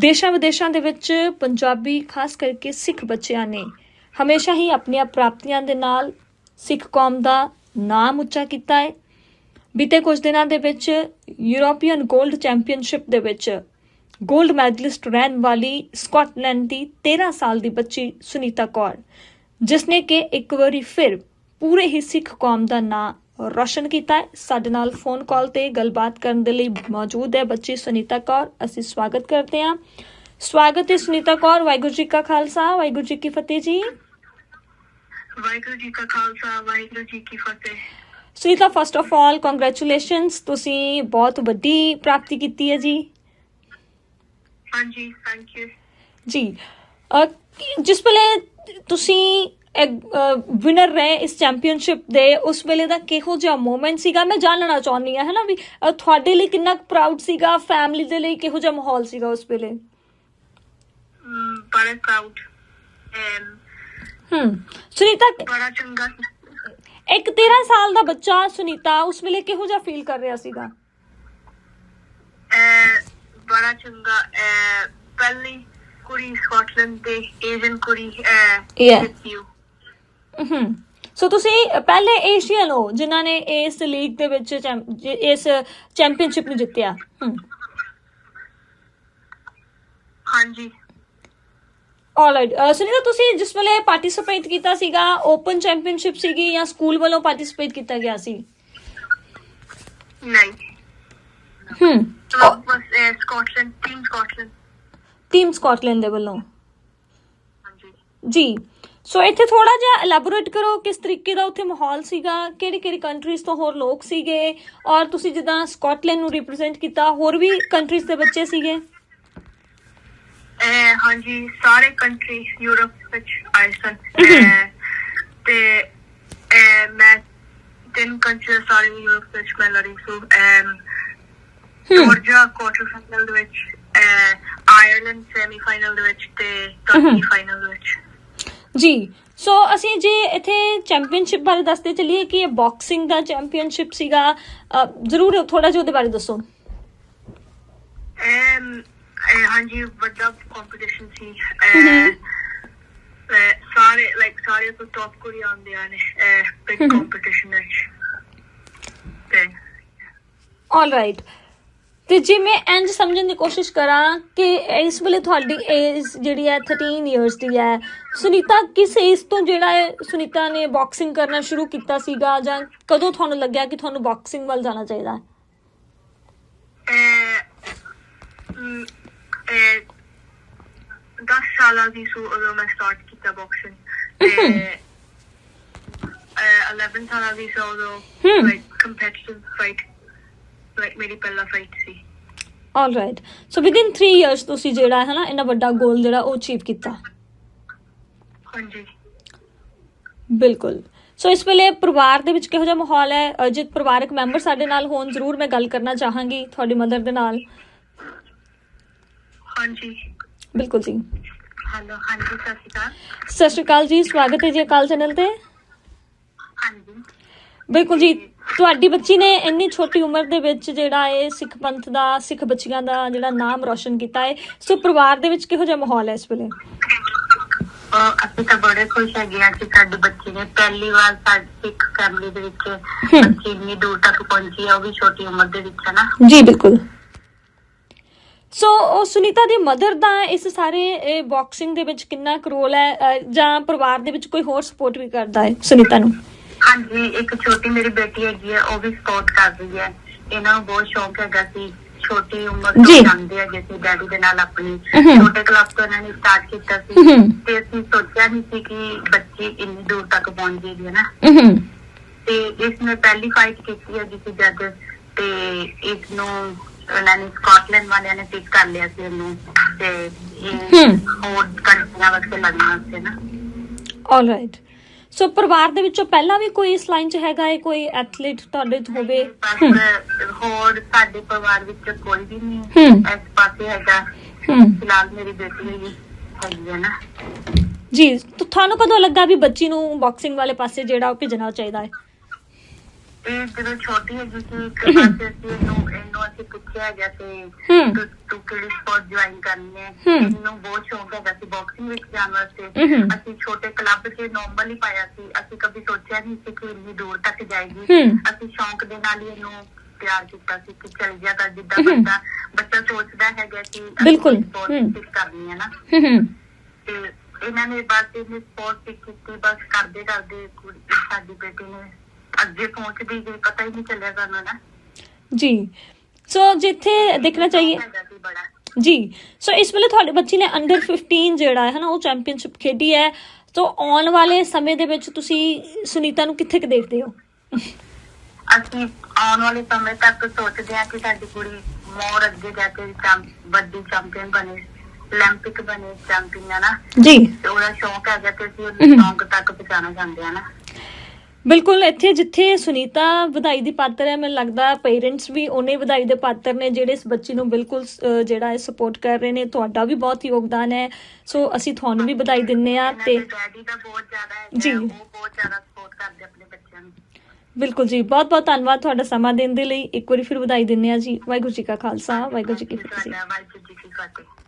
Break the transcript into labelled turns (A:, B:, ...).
A: ਦੇਸ਼ਾਂ ਵਿਦੇਸ਼ਾਂ ਦੇ ਵਿੱਚ ਪੰਜਾਬੀ ਖਾਸ ਕਰਕੇ ਸਿੱਖ ਬੱਚਿਆਂ ਨੇ ਹਮੇਸ਼ਾ ਹੀ ਆਪਣੀਆਂ ਪ੍ਰਾਪਤੀਆਂ ਦੇ ਨਾਲ ਸਿੱਖ ਕੌਮ ਦਾ ਨਾਮ ਉੱਚਾ ਕੀਤਾ ਹੈ। ਬੀਤੇ ਕੁਝ ਦਿਨਾਂ ਦੇ ਵਿੱਚ ਯੂਰੋਪੀਅਨ ਗੋਲਡ ਚੈਂਪੀਅਨਸ਼ਿਪ ਦੇ ਵਿੱਚ ਗੋਲਡ ਮੈਡਲਿਸਟ ਰਹਿਣ ਵਾਲੀ ਸਕਾਟਲੈਂਡ ਦੀ 13 ਸਾਲ ਦੀ ਬੱਚੀ ਸੁਨੀਤਾ ਕੌਰ, ਜਿਸਨੇ ਕਿ ਇੱਕ ਵਾਰੀ ਫਿਰ ਪੂਰੇ ਹੀ ਸਿੱਖ ਕੌਮ ਦਾ ਨਾਂ ਰੋਸ਼ਨ ਕੀਤਾ ਹੈ, ਸਾਡੇ ਨਾਲ ਫੋਨ ਕਾਲ ਤੇ ਗੱਲਬਾਤ ਕਰਨ ਦੇ ਲਈ ਮੌਜੂਦ ਹੈ ਬੱਚੀ ਸੁਨੀਤਾ ਕੌਰ। ਅਸੀਂ ਸਵਾਗਤ ਕਰਦੇ ਹਾਂ। ਸਵਾਗਤ ਹੈ ਸੁਨੀਤਾ ਕੌਰ। ਵਾਹਿਗੁਰੂ ਜੀ ਕਾ ਖਾਲਸਾ, ਵਾਹਿਗੁਰੂ ਜੀ ਕੀ ਫਤਿਹ ਜੀ।
B: ਵਾਹਿਗੁਰੂ ਜੀ ਕਾ ਖਾਲਸਾ, ਵਾਹਿਗੁਰੂ ਜੀ ਕੀ ਫਤਿਹ।
A: Sunita, first of all congratulations, ਤੁਸੀਂ ਬਹੁਤ ਵੱਡੀ ਪ੍ਰਾਪਤੀ ਕੀਤੀ ਹੈ ਜੀ।
B: ਹਾਂਜੀ, ਥੈਂਕ ਯੂ
A: ਜੀ। ਜਿਸ ਵੇਲੇ ਤੁਸੀਂ ਵਿਨਰ ਰਹੇ ਇਸ ਚੈਂਪੀਅਨਸ਼ਿਪ ਦੇ, ਉਸ ਵੇਲੇ ਦਾ ਕਿਹੋ ਜਿਹਾ ਮੂਮੈਂਟ ਸੀਗਾ? ਮੈਂ ਜਾਣਨਾ ਚਾਹੁੰਦੀ ਹਾਂ, ਹੈ ਨਾ, ਵੀ ਤੁਹਾਡੇ ਲਈ ਕਿੰਨਾ ਪ੍ਰਾਊਡ ਸੀਗਾ, ਫੈਮਿਲੀ ਦੇ ਲਈ ਕਿਹੋ ਜਿਹਾ ਮਾਹੌਲ ਸੀਗਾ ਉਸ ਵੇਲੇ?
B: ਬੜਾ ਪ੍ਰਾਊਡ।
A: ਸੁਨੀਤਾ,
B: ਬੜਾ ਚੰਗਾ।
A: ਇੱਕ 13 ਸਾਲ ਦਾ ਬੱਚਾ ਸੁਨੀਤਾ ਉਸ ਵੇਲੇ ਕਿਹੋ ਜਿਹਾ ਫੀਲ ਕਰ ਰਿਹਾ ਸੀਗਾ?
B: ਬੜਾ ਚੰਗਾ। ਪਹਿਲੀ ਕੁੜੀ ਸਕਾਟਲੈਂਡ ਤੇ ਏਸ਼ੀਅਨ ਕੁੜੀ
A: ਸੋ ਤੁਸੀਂ ਪਹਿਲੇ ਏਸ਼ੀਅਨ ਹੋ ਜਿਨ੍ਹਾਂ ਨੇ ਇਸ ਲੀਗ ਦੇ ਵਿੱਚ ਇਸ ਚੈਂਪੀਅਨਸ਼ਿਪ ਨੂੰ ਜਿੱਤਿਆ।
B: ਹਾਂਜੀ।
A: ਆਲਰਾਈਟ। ਸੁਨੀਤਾ, ਤੁਸੀਂ ਜਿਸ ਵੇਲੇ ਪਾਰਟਿਸਿਪੇਟ ਕੀਤਾ ਸੀਗਾ, ਓਪਨ ਚੈਂਪੀਅਨਸ਼ਿਪ ਸੀਗੀ ਜਾਂ ਸਕੂਲ ਵੱਲੋਂ ਪਾਰਟਿਸਿਪੇਟ ਕੀਤਾ ਗਿਆ ਸੀ?
B: ਨਹੀਂ। ਸਕਾਟਲੈਂਡ,
A: ਟੀਮ ਸਕਾਟਲੈਂਡ ਦੇ ਵੱਲੋਂ।
B: ਹਾਂਜੀ
A: ਜੀ। ਸੋ ਇੱਥੇ ਥੋੜਾ ਜਿਹਾ ਐਲੈਬੋਰੇਟ ਕਰੋ, ਕਿਸ ਤਰੀਕੇ ਦਾ ਉੱਥੇ ਮਾਹੌਲ ਸੀਗਾ, ਕਿਹੜੀ ਕਿਹੜੀ ਕੰਟਰੀਜ਼ ਤੋਂ ਹੋਰ ਲੋਕ ਸੀਗੇ, ਔਰ ਤੁਸੀਂ ਜਿੱਦਾਂ ਸਕਾਟਲੈਂਡ ਨੂੰ ਰਿਪਰੈਜ਼ੈਂਟ ਕੀਤਾ, ਹੋਰ ਵੀ ਕੰਟਰੀਜ਼ ਦੇ ਬੱਚੇ ਸੀਗੇ?
B: ਹਾਂਜੀ, ਸਾਰੇ ਕੰਟਰੀ ਯੂਰਪ ਵਿੱਚ ਆਏ ਸਨ ਤੇ ਮੈਂ 3 ਕੰਟਰੀ ਸਾਰੇ ਯੂਰਪ ਵਿੱਚ ਮੈਂ ਲੜੀ ਸੀ। ਜਾਰਜੀਆ ਕੁਆਟਰ ਫਾਈਨਲ ਦੇ ਵਿੱਚ, ਆਇਰਲੈਂਡ ਸੈਮੀ ਫਾਈਨਲ ਦੇ ਵਿੱਚ ਤੇ ਟਰਕੀ ਫਾਈਨਲ ਦੇ ਵਿੱਚ।
A: ਜੀ। ਸੋ ਅਸੀਂ ਜੇ ਇੱਥੇ ਚੈਂਪੀਅਨਸ਼ਿਪ ਬਾਰੇ ਦੱਸਦੇ ਚੱਲੀਏ ਕਿ ਇਹ ਬਾਕਸਿੰਗ ਦਾ ਚੈਂਪੀਅਨਸ਼ਿਪ ਸੀਗਾ, ਜ਼ਰੂਰ ਥੋੜਾ ਜਿਹਾ ਉਹਦੇ ਬਾਰੇ ਦੱਸੋ।
B: ਹਾਂਜੀ, ਵੱਡਾ ਕੰਪੀਟੀਸ਼ਨ ਸੀ। ਸਾਰੇ ਤੋਂ ਟੌਪ ਕੁੜੀ ਆਉਂਦੇ ਨੇ ਬਿਗ ਕੰਪੀਟੀਸ਼ਨ ਵਿੱਚ। ਆਲਰਾਈਟ।
A: ਤੇ ਜੇ ਮੈਂ ਇੰਝ ਸਮਝਣ ਦੀ ਕੋਸ਼ਿਸ਼ ਕਰਾਂ ਕਿ ਇਸ ਵੇਲੇ ਤੁਹਾਡੀ ਏਜ ਜਿਹੜੀ ਹੈ 13 ਇਅਰਸ ਦੀ ਹੈ, ਸੁਨੀਤਾ ਕਿਸ ਏਜ ਤੋਂ ਜਿਹੜਾ ਹੈ ਸੁਨੀਤਾ ਨੇ ਬਾਕਸਿੰਗ ਕਰਨਾ ਸ਼ੁਰੂ ਕੀਤਾ ਸੀਗਾ, ਜਾਂ ਕਦੋਂ ਤੁਹਾਨੂੰ ਲੱਗਿਆ ਕਿ ਤੁਹਾਨੂੰ ਬਾਕਸਿੰਗ ਵੱਲ ਜਾਣਾ ਚਾਹੀਦਾ ਹੈ?
B: 10 ਸਾਲਾਂ ਦੀ ਸੀ ਉਦੋਂ ਮੈਂ ਸਟਾਰਟ ਕੀਤਾ ਬਾਕਸਿੰਗ। 11 ਸਾਲਾਂ ਦੀ ਸੀ ਉਦੋਂ ਕੰਪੀਟੀਟਿਵ ਫਾਈਟ ਮੇਰੀ ਪਹਿਲਾ ਫਾਈਟ ਸੀ।
A: ਆਲਰਾਈਟ। ਸੋ ਵਿਦਿਨ 3 ਇਅਰਸ ਤੁਸੀਂ ਜਿਹੜਾ ਹੈ ਨਾ ਇੰਨਾ ਵੱਡਾ ਗੋਲ ਜਿਹੜਾ ਉਹ ਅਚੀਵ ਕੀਤਾ।
B: ਹਾਂਜੀ,
A: ਬਿਲਕੁਲ। ਸੋ ਇਸ ਵੇਲੇ ਪਰਿਵਾਰ ਦੇ ਵਿੱਚ ਕਿਹੋ ਜਿਹਾ ਮਾਹੌਲ ਹੈ? ਜੇ ਪਰਿਵਾਰਕ ਮੈਂਬਰ ਸਾਡੇ ਨਾਲ ਹੋਣ, ਜ਼ਰੂਰ ਮੈਂ ਗੱਲ ਕਰਨਾ ਚਾਹਾਂਗੀ ਤੁਹਾਡੀ ਮਦਰ ਦੇ ਨਾਲ।
B: ਹਾਂਜੀ,
A: ਬਿਲਕੁਲ ਜੀ।
B: ਹੈਲੋ। ਹਾਂਜੀ, ਸਤਿ ਸ਼੍ਰੀ ਅਕਾਲ।
A: ਸਤਿ ਸ਼੍ਰੀ ਅਕਾਲ ਜੀ, ਸਵਾਗਤ ਹੈ ਜੀ ਅਕਾਲ ਚੈਨਲ ਤੇ।
B: ਹਾਂਜੀ,
A: ਬਿਲਕੁਲ ਜੀ। ਤੁਹਾਡੀ ਬੱਚੀ ਨੇ ਇੰਨੀ ਛੋਟੀ ਉਮਰ ਦੇ ਵਿੱਚ ਜਿਹੜਾ ਇਹ ਸਿੱਖ ਪੰਥ ਦਾ, ਸਿੱਖ ਬੱਚੀਆਂ ਦਾ ਜਿਹੜਾ ਨਾਮ ਰੋਸ਼ਨ ਕੀਤਾ ਹੈ, ਸੋ ਪਰਿਵਾਰ ਦੇ ਵਿੱਚ ਕਿਹੋ ਜਿਹਾ ਮਾਹੌਲ ਹੈ ਇਸ ਵੇਲੇ?
B: ਅਸੀਂ ਤਾਂ ਬੜੇ ਖੁਸ਼ ਹੈਗੇ ਹਾਂ ਕਿ ਸਾਡੀ ਬੱਚੀ ਨੇ ਪਹਿਲੀ ਵਾਰ ਸਾਡੀ ਸਿੱਖ ਫੈਮਿਲੀ ਦੇ ਵਿੱਚ ਬੱਚੀ ਇੰਨੀ ਦੂਰ ਤੱਕ ਪਹੁੰਚੀ ਹੈ, ਉਹ ਵੀ ਛੋਟੀ ਉਮਰ ਦੇ ਵਿੱਚ, ਹੈ ਨਾ।
A: ਜੀ ਬਿਲਕੁਲ। ਸੋ ਉਹ ਸੁਨੀਤਾ ਦੀ ਮਦਰ ਦਾ ਇਸ ਸਾਰੇ ਬਾਕਸਿੰਗ ਦੇ ਵਿੱਚ ਕਿੰਨਾ ਕੁ ਰੋਲ ਹੈ, ਜਾਂ ਪਰਿਵਾਰ ਦੇ ਵਿੱਚ ਕੋਈ ਹੋਰ ਸਪੋਰਟ ਵੀ ਕਰਦਾ ਹੈ ਸੁਨੀਤਾ ਨੂੰ?
B: ਹਾਂਜੀ, ਇੱਕ ਛੋਟੀ ਮੇਰੀ ਬੇਟੀ ਹੈਗੀ ਹੈ, ਉਹ ਵੀ ਸਪੋਰਟ ਕਰ ਰਹੀ ਹੈ। ਇਹਨਾਂ ਨੂੰ ਬਹੁਤ ਸ਼ੌਂਕ ਹੈਗਾ ਸੀ, ਛੋਟੀ ਉਮਰ ਤੋਂ ਜਾਂਦੇ ਹੈਗੇ ਸੀ ਡੈਡੀ ਦੇ ਨਾਲ। ਆਪਣੀ ਛੋਟੇ ਕਲੱਬ ਤੋਂ ਇਹਨਾਂ ਨੇ ਸਟਾਰਟ ਕੀਤਾ ਸੀ ਤੇ ਅਸੀਂ ਸੋਚਿਆ ਨਹੀਂ ਸੀ ਕਿ ਬੱਚੀ ਇੰਨੀ ਦੂਰ ਤੱਕ ਪਹੁੰਚ ਜਾਏਗੀ, ਹੈ ਨਾ। ਤੇ ਇਸ ਨੇ ਪਹਿਲੀ ਫਾਈਟ ਕੀਤੀ ਹੈ ਜਿਸ ਜੱਜ, ਤੇ ਇਸ ਨੂੰ ਉਹਨਾਂ ਨੇ ਸਕਾਟਲੈਂਡ ਵਾਲਿਆਂ ਨੇ ਪਿਕ ਕਰ ਲਿਆ ਸੀ ਇਹਨੂੰ, ਤੇ ਹੋਰ ਕੰਟਰੀਆਂ ਵਾਸਤੇ ਲੜਨ ਵਾਸਤੇ ਨਾ। ਆਲਰਾਈਟ।
A: ਸੋ ਪਰਿਵਾਰ ਦੇ ਵਿੱਚੋਂ ਪਹਿਲਾਂ ਵੀ ਕੋਈ ਇਸ ਲਾਈਨ 'ਚ ਹੈਗਾ ਹੈ, ਕੋਈ ਐਥਲੀਟ ਤੁਹਾਡੇ ਹੋਵੇ?
B: ਹੋਰ ਸਾਡੇ ਪਰਿਵਾਰ ਵਿੱਚ ਕੋਈ ਵੀ ਨਹੀਂ ਇਸ ਪਾਸੇ ਹੈਗਾ। ਫਿਲਹਾਲ ਮੇਰੀ ਬੇਟੀ ਹੈਗੀ ਹੈ ਨਾ। ਜੀ।
A: ਤੁਹਾਨੂੰ ਕਦੋਂ ਲੱਗਾ ਵੀ ਬੱਚੀ ਨੂੰ ਬਾਕਸਿੰਗ ਵਾਲੇ ਪਾਸੇ ਜਿਹੜਾ ਉਹ ਭੇਜਣਾ ਚਾਹੀਦਾ ਹੈ?
B: ਇਹ ਜਦੋਂ ਛੋਟੀ ਹੈਗੀ ਸੀ ਇੱਕ ਪਾਸੇ ਅਸੀਂ ਇਹਨੂੰ ਅਸੀਂ ਪੁੱਛਿਆ ਹੈਗਾ ਸੀ ਤੂੰ ਕਿਹੜੀ ਸਪੋਰਟ ਜੁਆਇਨ ਕਰਨੀ ਹੈ। ਇਹਨੂੰ ਬਹੁਤ ਸ਼ੌਂਕ ਹੈਗਾ ਸੀ ਬਾਕਸਿੰਗ ਵਿੱਚ ਜਾਣ ਵਾਸਤੇ। ਅਸੀਂ ਛੋਟੇ ਕਲੱਬ 'ਚ ਨੋਰਮਲ ਹੀ ਪਾਇਆ ਸੀ, ਅਸੀਂ ਕਦੀ ਸੋਚਿਆ ਨਹੀਂ ਸੀ ਕਿ ਇੰਨੀ ਦੂਰ ਤੱਕ ਜਾਏਗੀ। ਅਸੀਂ ਸ਼ੌਂਕ ਦੇ ਨਾਲ ਹੀ ਇਹਨੂੰ ਪਿਆਰ ਕੀਤਾ ਸੀ ਕਿ ਚੱਲ ਜਾ ਕਰ, ਜਿੱਦਾਂ ਬੱਚਾ ਸੋਚਦਾ ਹੈਗਾ ਕਿ ਸਪੋਰਟ ਕਰਨੀ ਹੈ ਨਾ। ਤੇ ਇਹਨਾਂ ਨੇ ਬਸ ਇਹਨੇ ਸਪੋਰਟ ਕੀਤੀ, ਬਸ ਕਰਦੇ ਕਰਦੇ ਸਾਡੀ ਬੇਟੀ ਨੇ ਅੱਗੇ ਪਹੁੰਚਦੀ ਗਈ, ਪਤਾ ਹੀ ਨਹੀਂ ਚੱਲਿਆ ਸਾਨੂੰ ਨਾ
A: ਜੀ। ਸੋ ਜਿੱਥੇ ਦੇਖਣਾ ਚਾਹੀਏ ਜੀ, ਸੋ ਇਸ ਵੇਲੇ ਤੁਹਾਡੇ ਬੱਚੀ ਨੇ ਅੰਡਰ 15 ਜਿਹੜਾ ਹੈ ਨਾ ਉਹ ਚੈਂਪੀਅਨਸ਼ਿਪ ਖੇਡੀ ਹੈ। ਸੋ ਆਉਣ ਵਾਲੇ ਸਮੇਂ ਦੇ ਵਿੱਚ ਤੁਸੀਂ ਸੁਨੀਤਾ ਨੂੰ ਕਿੱਥੇ ਦੇਖਦੇ ਹੋ?
B: ਅਸੀਂ ਆਉਣ ਵਾਲੇ ਸਮੇਂ ਤੱਕ ਸੋਚਦੇ ਹਾਂ ਕਿ ਸਾਡੀ ਕੁੜੀ ਮੋਰ ਅੱਗੇ ਜਾ ਕੇ ਵੱਡੀ ਚੈਂਪੀਅਨ ਬਣੇ, 올림픽 ਬਣੇ ਚੈਂਪੀਅਨ ਹੈ ਨਾ
A: ਜੀ।
B: ਉਹਦਾ ਸ਼ੌਂਕ ਹੈਗਾ ਤੇ ਅਸੀਂ ਉਹਨੂੰ ਸ਼ੌਂਕ ਤੱਕ ਪਹੁੰਚਾਉਣਾ ਚਾਹੁੰਦੇ ਹਾਂ ਨਾ।
A: ਬਿਲਕੁਲ, ਇੱਥੇ ਜਿੱਥੇ ਸੁਨੀਤਾ ਵਧਾਈ ਦੀ ਪਾਤਰ ਹੈ, ਮੈਨੂੰ ਲੱਗਦਾ ਪੇਰੈਂਟਸ ਵੀ ਉਹਨੇ ਵਧਾਈ ਦੇ ਪਾਤਰ ਨੇ ਜਿਹੜੇ ਇਸ ਬੱਚੀ ਨੂੰ ਬਿਲਕੁਲ ਜਿਹੜਾ ਹੈ ਸਪੋਰਟ ਕਰ ਰਹੇ ਨੇ। ਤੁਹਾਡਾ ਵੀ ਬਹੁਤ ਯੋਗਦਾਨ ਹੈ, ਸੋ ਅਸੀਂ ਤੁਹਾਨੂੰ ਵੀ ਵਧਾਈ ਦਿੰਦੇ ਹਾਂ। ਤੇ
B: ਡੈਡੀ ਦਾ ਬਹੁਤ ਜ਼ਿਆਦਾ ਹੈ
A: ਜੀ,
B: ਉਹ ਬਹੁਤ ਜ਼ਿਆਦਾ ਸਪੋਰਟ ਕਰਦੇ ਆਪਣੇ ਬੱਚਿਆਂ ਨੂੰ।
A: ਬਿਲਕੁਲ ਜੀ, ਬਹੁਤ ਬਹੁਤ ਧੰਨਵਾਦ ਤੁਹਾਡਾ ਸਮਾਂ ਦੇਣ ਦੇ ਲਈ। ਇੱਕ ਵਾਰੀ ਫਿਰ ਵਧਾਈ ਦਿੰਦੇ ਹਾਂ ਜੀ। ਵਾਹਿਗੁਰੂ ਜੀ ਕਾ ਖਾਲਸਾ, ਵਾਹਿਗੁਰੂ ਜੀ ਕੀ ਫਤਿਹ।
B: ਵਾਹਿਗੁਰੂ ਜੀ ਕੀ ਫਤਿਹ।